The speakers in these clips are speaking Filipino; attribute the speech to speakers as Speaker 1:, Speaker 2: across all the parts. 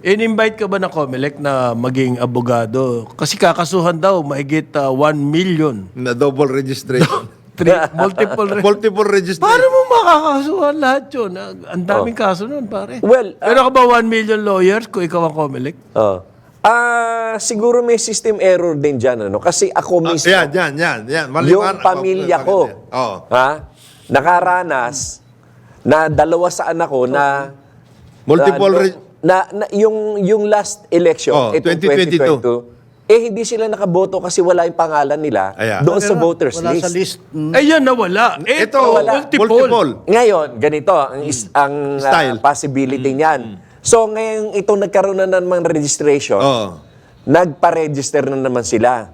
Speaker 1: In-invite ka ba ng COMELEC na maging abogado? Kasi kakasuhan daw, mahigit 1 million.
Speaker 2: Na double registration.
Speaker 1: Multiple
Speaker 2: Multiple registration.
Speaker 1: Paano mo makakasuhan lahat yun? Ang daming kaso nun, pare.
Speaker 3: Well,
Speaker 1: Pero ka ba 1 million lawyers kung ikaw ang COMELEC?
Speaker 3: siguro may system error din dyan, ano? Kasi ako mismo,
Speaker 2: Yan.
Speaker 3: yung pamilya ko, nakaranas na dalawa sa anak ko na
Speaker 2: Multiple
Speaker 3: yung last election,
Speaker 2: Oh,
Speaker 3: itong
Speaker 2: 2022,
Speaker 3: hindi sila nakaboto kasi wala yung pangalan nila
Speaker 2: Ayan.
Speaker 3: doon sa voters
Speaker 4: Wala
Speaker 3: list.
Speaker 4: sa list.
Speaker 1: Ayan, nawala.
Speaker 2: Ito,
Speaker 1: multiple.
Speaker 3: Ngayon, ganito ang
Speaker 2: Style.
Speaker 3: possibility niyan. So, ngayon itong nagkaroon na naman registration, nagpa-register na naman sila.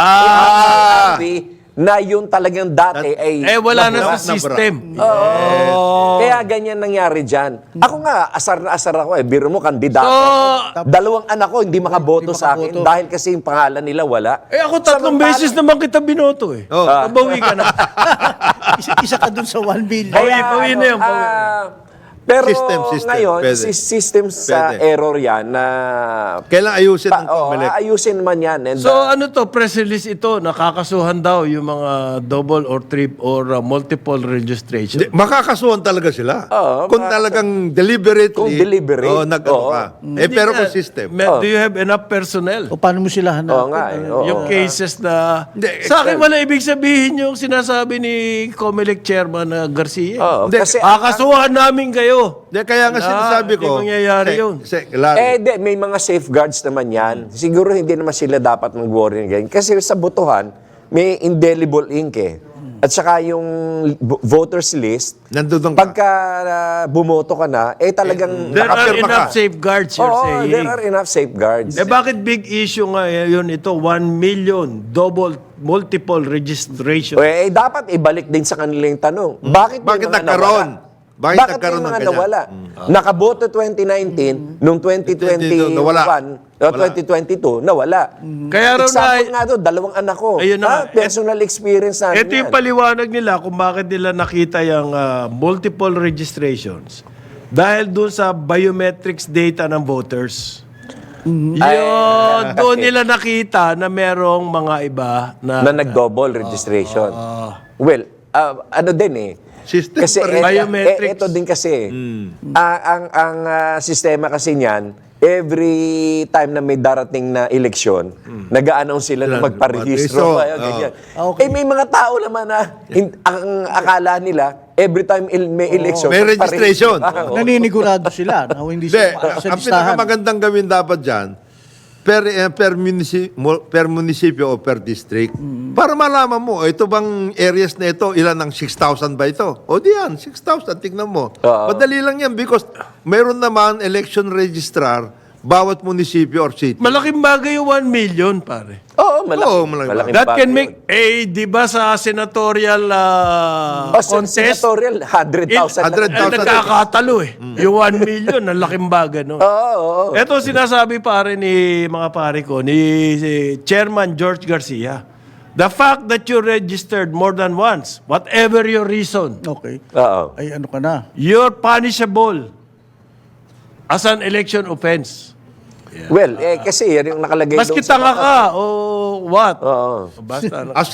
Speaker 3: Na yung talagang dati ay
Speaker 1: Wala na
Speaker 2: Nabura.
Speaker 1: sa system.
Speaker 3: Kaya ganyan nangyari dyan. Ako nga, asar na asar ako eh. Biro mo, kandidato.
Speaker 1: So,
Speaker 3: Dalawang anak ko hindi makaboto sa akin dahil kasi yung pangalan nila wala.
Speaker 1: ako 3 beses naman kita binoto eh. Nabawi ka na.
Speaker 4: Isa ka dun sa 1 billion.
Speaker 1: Bawi na yun.
Speaker 3: Pero
Speaker 2: System,
Speaker 3: ngayon,
Speaker 2: pwede.
Speaker 3: system sa
Speaker 2: Pwede.
Speaker 3: error yan na
Speaker 2: Kailangan ayusin ng COMELEC.
Speaker 3: ayusin naman yan. And,
Speaker 1: So ano to, press release ito, nakakasuhan daw yung mga double or trip or multiple registration.
Speaker 2: Makakasuhan talaga sila. Kung talagang deliberately.
Speaker 3: Kung deliberate.
Speaker 2: Nag-ano ka. Pero kung system.
Speaker 1: Do you have enough personnel?
Speaker 4: O paano mo sila hanapin?
Speaker 3: Oo nga eh. Oo.
Speaker 1: Yung cases na...
Speaker 2: Hindi,
Speaker 1: Sa akin wala ibig sabihin yung sinasabi ni COMELEC Chairman Garcia.
Speaker 3: Oo,
Speaker 2: Hindi,
Speaker 3: kasi
Speaker 1: Kakasuhan namin kayo.
Speaker 2: Kaya nga sinasabi ko.
Speaker 1: Hindi mangyayari yun.
Speaker 3: may mga safeguards naman yan. Siguro hindi naman sila dapat mag-worry ngayon. Kasi sa botohan, may indelible ink eh. At saka yung voters list,
Speaker 2: Nandun ka.
Speaker 3: pagka bumoto ka na, talagang
Speaker 1: There are
Speaker 2: Nakapirma
Speaker 1: enough
Speaker 2: ka.
Speaker 1: safeguards, you're saying.
Speaker 3: there are enough safeguards.
Speaker 1: Bakit big issue nga yun ito? 1 million multiple registration.
Speaker 3: Dapat ibalik din sa kanila yung tanong. Bakit may mga
Speaker 2: nagkaroon?
Speaker 3: nawala?
Speaker 2: Bakit
Speaker 3: Bakit
Speaker 2: nagkaroon
Speaker 3: may
Speaker 2: ng
Speaker 3: mga
Speaker 2: ganyan?
Speaker 3: nawala? Nakaboto 2019, nung 2021,
Speaker 2: nawala.
Speaker 3: 2022, nawala.
Speaker 1: Kaya raw
Speaker 3: Example
Speaker 1: na...
Speaker 3: nga doon, dalawang anak ko.
Speaker 1: Ayun na nga.
Speaker 3: Personal experience namin
Speaker 1: Ito yung
Speaker 3: yan.
Speaker 1: paliwanag nila kung bakit nila nakita yung multiple registrations. Dahil doon sa biometrics data ng voters. Doon nila nakita na merong mga iba na...
Speaker 3: Na nag-double registration. Well, ano din eh.
Speaker 2: System
Speaker 3: Kasi
Speaker 2: pa rin.
Speaker 1: Biometrics.
Speaker 3: ito din kasi. Ang sistema kasi niyan, every time na may darating na eleksyon, nag-a-announce sila na magparehistro. Ganyan.
Speaker 4: Okay.
Speaker 3: May mga tao naman na ang akala nila, every time may eleksyon,
Speaker 2: May registration.
Speaker 3: magparehistro.
Speaker 4: Naninigurado sila na hindi
Speaker 2: Hindi,
Speaker 4: sila sa
Speaker 2: ang
Speaker 4: listahan.
Speaker 2: pinakamagandang gawin dapat dyan, per munisipyo o per district, para malaman mo, ito bang areas na ito, ilan ang 6,000 ba ito? O di yan, 6,000, tignan mo. Madali lang yan because mayroon naman election registrar bawat munisipyo or city.
Speaker 1: Malaking bagay yung 1 million, pare.
Speaker 3: Oo,
Speaker 2: Oo,
Speaker 3: malaking
Speaker 2: malaking
Speaker 1: That
Speaker 3: bagay
Speaker 1: can
Speaker 3: yun.
Speaker 1: make... di ba sa senatorial contest?
Speaker 3: Senatorial, 100,000
Speaker 2: 100,000.
Speaker 1: Nagkakatalo eh. Yung 1 million, ang laking bagay, no?
Speaker 3: Oo.
Speaker 1: Ito sinasabi pare ni mga pare ko, ni Chairman George Garcia. The fact that you registered more than once, whatever your reason,
Speaker 4: Okay.
Speaker 3: Oo.
Speaker 4: Ay, ano ka na?
Speaker 1: you're punishable as an election offense.
Speaker 3: Well, kasi yan yung nakalagay
Speaker 1: Maski
Speaker 3: doon sa
Speaker 1: tanga ka o what?
Speaker 3: Oo.
Speaker 1: Basta.
Speaker 2: As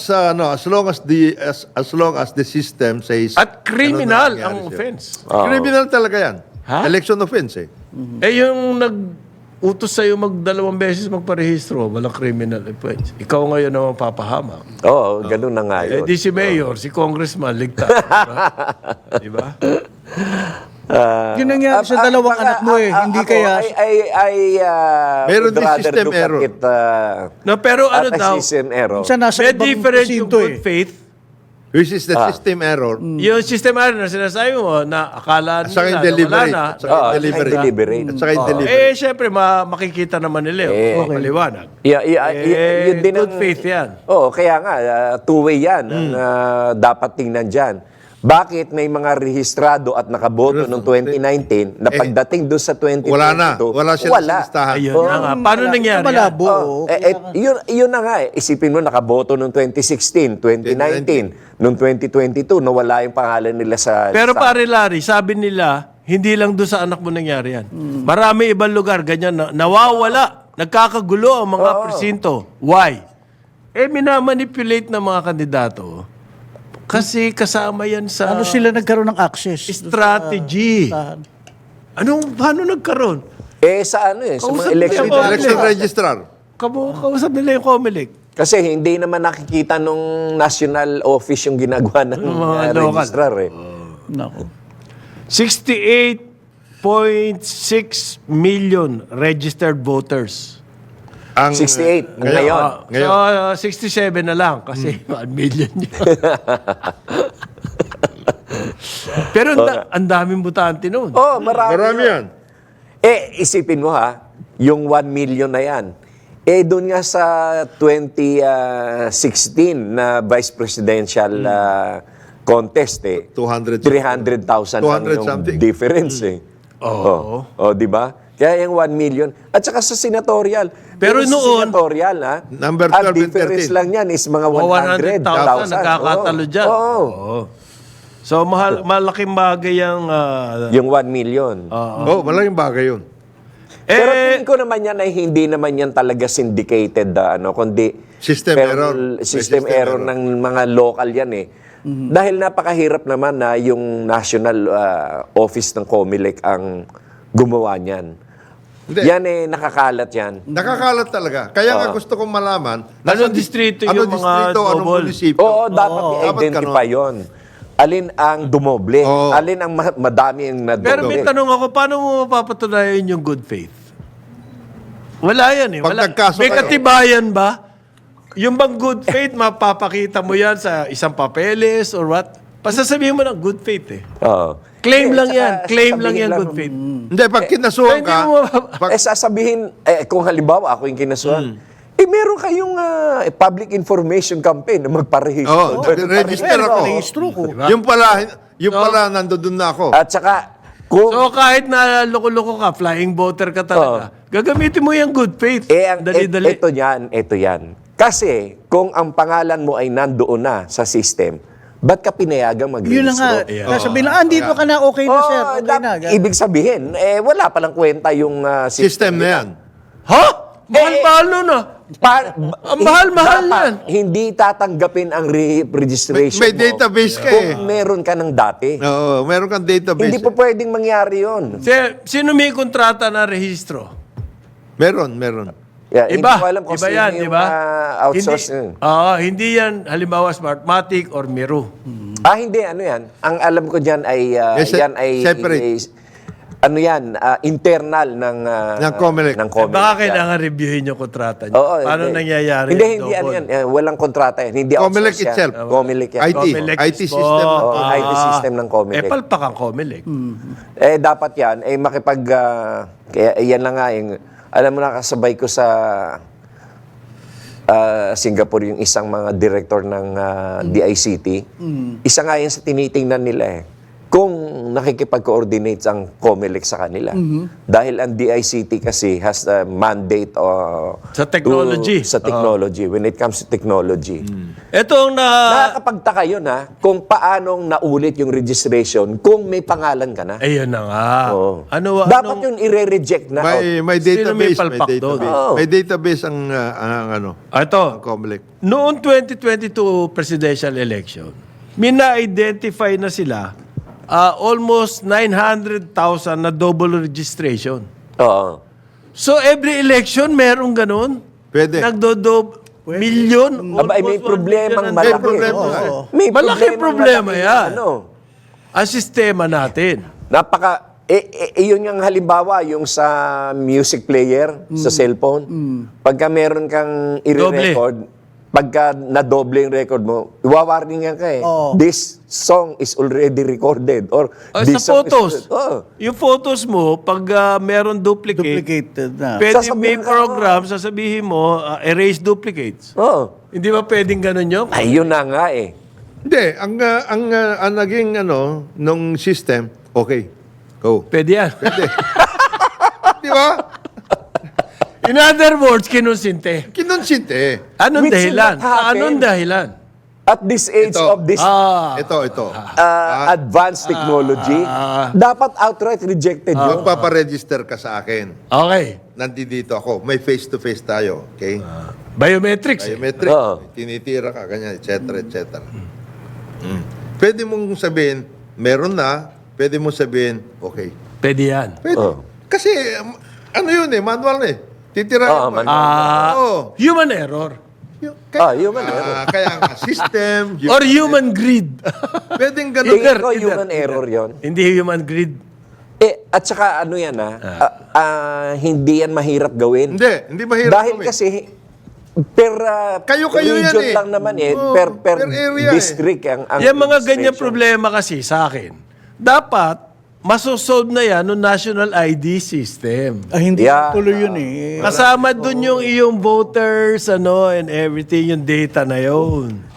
Speaker 2: long as the system says
Speaker 1: At criminal
Speaker 2: ano na
Speaker 1: ang
Speaker 2: nangyari
Speaker 1: offense.
Speaker 2: sa'yo. Criminal talaga yan.
Speaker 1: Ha?
Speaker 2: Election offense eh.
Speaker 1: Yung nag-utos sa'yo mag-2 beses magparehistro, walang criminal offense. Ikaw ngayon naman papahamak.
Speaker 3: Oo, ganun na nga yun.
Speaker 1: Di si Mayor, si Congressman, ligtas. Di ba?
Speaker 4: Yun nangyari sa dalawang anak mo eh. Hindi kaya...
Speaker 2: Meron din system error.
Speaker 1: No, pero ano
Speaker 3: at
Speaker 1: daw,
Speaker 3: a system error.
Speaker 4: Minsan nasa
Speaker 1: may
Speaker 4: ibang
Speaker 1: difference yung
Speaker 4: presinto
Speaker 1: good
Speaker 4: eh.
Speaker 1: faith.
Speaker 2: Which is the system error.
Speaker 1: Yung system error na sinasabi mo na akala
Speaker 2: At saka yung
Speaker 1: nila na wala
Speaker 2: deliberate.
Speaker 1: na.
Speaker 2: At saka yung deliberate.
Speaker 3: deliberate.
Speaker 2: At saka yung deliberate.
Speaker 1: Syempre, makikita naman nila yun.
Speaker 4: Okay.
Speaker 1: Maliwanag.
Speaker 3: Yun din
Speaker 1: Good faith yan.
Speaker 3: Oo, kaya nga, two-way yan. ang, dapat tingnan dyan. Bakit may mga rehistrado at nakaboto noong 2019 na pagdating doon sa 2022,
Speaker 2: Wala na. Wala sila sa listahan.
Speaker 1: Ayun na nga. Paano nangyari yan?
Speaker 4: Malabo.
Speaker 3: yun na nga eh. Isipin mo, nakaboto noong 2016, 2019, noong 2022, nawala yung pangalan nila sa...
Speaker 1: Pero
Speaker 3: sa-
Speaker 1: pare Larry, sabi nila, hindi lang doon sa anak mo nangyari yan. Marami ibang lugar, ganyan, nawawala, nagkakagulo ang mga presinto. Why? Minamanipulate ng mga kandidato kasi kasama yan sa
Speaker 4: Ano sila nagkaroon ng access?
Speaker 1: strategy. Paano nagkaroon?
Speaker 3: Sa ano sa
Speaker 1: Kausap
Speaker 3: mga election.
Speaker 1: niya ako.
Speaker 2: Election registrar.
Speaker 1: Kausap nila yung COMELEC.
Speaker 3: Kasi hindi naman nakikita nung national office yung ginagawa ng
Speaker 1: mga local.
Speaker 3: registrar eh.
Speaker 4: Nako.
Speaker 1: 68.6 million registered voters.
Speaker 2: Ang,
Speaker 3: 68 ngayon.
Speaker 1: So, 67 na lang kasi 1 million yun. Pero ang daming butante noon.
Speaker 3: Oh, marami.
Speaker 2: Marami yan.
Speaker 3: Isipin mo ha, yung 1 million na yan. Doon nga sa 2016 na vice presidential contest
Speaker 2: 200
Speaker 3: 300,000 lang
Speaker 2: 200
Speaker 3: yung
Speaker 2: something.
Speaker 3: difference di ba? Kaya yung 1 million. At saka sa senatorial.
Speaker 1: Pero
Speaker 3: sa
Speaker 1: noon,
Speaker 3: senatorial ha,
Speaker 2: number 12
Speaker 3: ang
Speaker 2: and
Speaker 3: difference
Speaker 2: 13.
Speaker 3: lang yan is mga
Speaker 1: 100,000 nagkakatalo dyan.
Speaker 3: Oo.
Speaker 1: So, malaking bagay ang...
Speaker 3: Yung 1 million.
Speaker 2: Malaking bagay yun.
Speaker 3: Pero tingin ko naman yan ay hindi naman yan talaga syndicated kundi
Speaker 2: System error. May
Speaker 3: System error ng mga local yan eh. Dahil napakahirap naman na yung national office ng COMELEC ang gumawa niyan.
Speaker 2: Hindi.
Speaker 3: Yan nakakalat yan.
Speaker 2: Nakakalat talaga. Kaya nga gusto kong malaman.
Speaker 1: Anong distrito yung mga
Speaker 2: anong
Speaker 1: double?
Speaker 2: munisipyo.
Speaker 3: Oo, dapat i-identify
Speaker 2: ganun.
Speaker 3: yun. Alin ang dumoble?
Speaker 2: Oo.
Speaker 3: Alin ang madami ang nadoble?
Speaker 1: Pero may tanong ako, paano mo mapapatunayan yung good faith? Wala yan eh.
Speaker 2: Pag
Speaker 1: Wala.
Speaker 2: nagkaso
Speaker 1: May
Speaker 2: kayo.
Speaker 1: katibayan ba? Yung bang good faith, mapapakita mo yan sa isang papeles or what? Pasasabihin mo ng good faith eh.
Speaker 3: Oo.
Speaker 1: Claim lang
Speaker 3: Tsaka
Speaker 1: yan. Claim lang
Speaker 3: sasabihin
Speaker 1: yan, good faith.
Speaker 2: Hindi, pag kinasuhan
Speaker 1: Hindi
Speaker 2: ka,
Speaker 1: mo mapapa-
Speaker 3: Sasabihin, kung halimbawa ako yung kinasuhan, meron kayong public information campaign na magparehistro.
Speaker 2: register ako.
Speaker 4: Rehistro ko.
Speaker 2: Yung pala, nandoon na ako.
Speaker 3: At saka, kung
Speaker 1: So kahit na loko-loko ka, flying voter ka talaga, gagamitin mo yung good faith. Dali-dali.
Speaker 3: ito yan. Kasi, kung ang pangalan mo ay nandoon na sa system, ba't ka pinayagang
Speaker 4: Yun na nga.
Speaker 3: mag-rehistro?
Speaker 4: Sasabihin lang, dito ka na, okay na sir. Okay na. Ganun.
Speaker 3: Ibig sabihin, wala palang kwenta yung
Speaker 2: System na yan.
Speaker 1: Ha? Mahal-mahal nun ah. Ang mahal-mahal
Speaker 3: dapat
Speaker 1: yan.
Speaker 3: Hindi tatanggapin ang registration
Speaker 2: May
Speaker 3: mo
Speaker 2: database ka
Speaker 3: kung
Speaker 2: eh.
Speaker 3: meron ka ng dati.
Speaker 2: Oo, meron kang database.
Speaker 3: Hindi po pwedeng mangyari yun.
Speaker 1: Sino may kontrata na rehistro?
Speaker 2: Meron.
Speaker 3: Yeah, hindi
Speaker 1: Iba.
Speaker 3: ko alam kung
Speaker 1: Iba
Speaker 3: sino
Speaker 1: yan,
Speaker 3: yung
Speaker 1: di ba?
Speaker 3: outsource
Speaker 1: Hindi,
Speaker 3: yun.
Speaker 1: hindi yan halimbawa Smartmatic or Miro.
Speaker 3: Hindi, ano yan. Ang alam ko dyan ay, yan ay
Speaker 2: separate.
Speaker 3: internal ng
Speaker 2: COMELEC.
Speaker 3: ng
Speaker 1: Baka
Speaker 3: COMELEC.
Speaker 1: kailangan reviewin yung kontrata niyo.
Speaker 3: Oo,
Speaker 1: Paano
Speaker 3: hindi.
Speaker 1: nangyayari
Speaker 3: Hindi,
Speaker 1: yung
Speaker 3: hindi ano
Speaker 1: double?
Speaker 3: yan. Walang kontrata yan. Hindi
Speaker 2: COMELEC
Speaker 3: outsource yan.
Speaker 2: itself.
Speaker 3: COMELEC yan.
Speaker 1: COMELEC
Speaker 2: IT
Speaker 1: po.
Speaker 2: system.
Speaker 3: Oo, IT system ng COMELEC.
Speaker 1: palpak ang COMELEC.
Speaker 3: Dapat yan, kaya yan lang nga, alam mo na kasabay ko sa Singapore yung isang mga director ng DICT. Isa nga yan sa tinitingnan nila kung nakikipag-coordinate ang COMELEC sa kanila. Dahil ang DICT kasi has a mandate
Speaker 1: Sa technology.
Speaker 3: sa technology, when it comes to technology.
Speaker 1: Ito ang
Speaker 3: Nakakapagtaka yun kung paanong naulit yung registration kung may pangalan ka na.
Speaker 1: Ayun na nga.
Speaker 3: Oo.
Speaker 1: anong-
Speaker 3: Dapat yun i-reject na.
Speaker 2: May
Speaker 1: Sino may
Speaker 2: database.
Speaker 1: palpak doon?
Speaker 3: Oo.
Speaker 2: May database ang
Speaker 1: Ito,
Speaker 2: COMELEC.
Speaker 1: noong 2022 presidential election, mina-identify na sila almost 900,000 na double registration.
Speaker 3: Oo.
Speaker 1: So every election meron ganun?
Speaker 2: Pwede.
Speaker 1: Million?
Speaker 3: Aba, may
Speaker 1: almost 1
Speaker 3: problemang
Speaker 1: million
Speaker 3: malaki.
Speaker 2: May problema nga eh.
Speaker 3: May
Speaker 1: Malaking problema
Speaker 3: malaki.
Speaker 1: yan. Ang sistema natin.
Speaker 3: Yun yung halimbawa, yung sa music player, sa cellphone. Pagka meron kang i-record, pagka nadoble yung record mo, iwawarningan ka This song is already recorded. Or
Speaker 1: sa
Speaker 3: this song
Speaker 1: photos.
Speaker 3: is...
Speaker 1: Yung photos mo, pag meron duplicate,
Speaker 4: Duplicated na.
Speaker 1: pwede may
Speaker 3: Sasabihin ka,
Speaker 1: program, sasabihin mo, erase duplicates. Hindi ba pwedeng ganun yun?
Speaker 3: Ayun na nga
Speaker 2: Hindi, ang naging nung system, okay. Go.
Speaker 1: Pwede yan.
Speaker 2: Di ba?
Speaker 1: In other words, kinonsinte.
Speaker 2: Kinonsinte.
Speaker 1: Anong
Speaker 3: Which
Speaker 1: dahilan?
Speaker 3: will not happen.
Speaker 1: Anong dahilan?
Speaker 3: At this age
Speaker 2: Ito.
Speaker 3: of this
Speaker 2: Ito.
Speaker 3: advanced technology, dapat outright rejected yun.
Speaker 2: Magpaparegister ka sa akin.
Speaker 1: Okay.
Speaker 2: Nandito ako. May face-to-face tayo. Okay?
Speaker 1: Biometrics.
Speaker 2: Biometric.
Speaker 3: Oo.
Speaker 2: Tinitira ka, ganyan, etc. etc. Pwede mong sabihin, meron na. Pwede mong sabihin, okay.
Speaker 1: Pwede yan.
Speaker 2: Pwede.
Speaker 3: Oo.
Speaker 2: Kasi, ano yun manual na Titira
Speaker 3: Oo,
Speaker 2: Oo.
Speaker 1: Human error.
Speaker 3: Human error.
Speaker 2: Kaya nga, system.
Speaker 1: Or human greed.
Speaker 2: Pwedeng ganun.
Speaker 3: Tingin ko human error yon.
Speaker 1: Hindi human greed.
Speaker 3: At saka ano yan hindi yan mahirap gawin.
Speaker 2: Hindi mahirap
Speaker 3: Dahil
Speaker 2: gawin.
Speaker 3: kasi per
Speaker 2: Kayo-kayo yan
Speaker 3: region
Speaker 2: eh.
Speaker 3: lang naman
Speaker 2: Oo,
Speaker 3: per
Speaker 2: per area
Speaker 3: district ang
Speaker 1: Yung mga ganyan
Speaker 3: registration.
Speaker 1: problema kasi sa akin, dapat masosolve na yan ng national ID system.
Speaker 4: Hindi
Speaker 3: Yeah.
Speaker 4: tuloy yun eh.
Speaker 1: Kasama dun yung iyong voters, and everything, yung data na yun.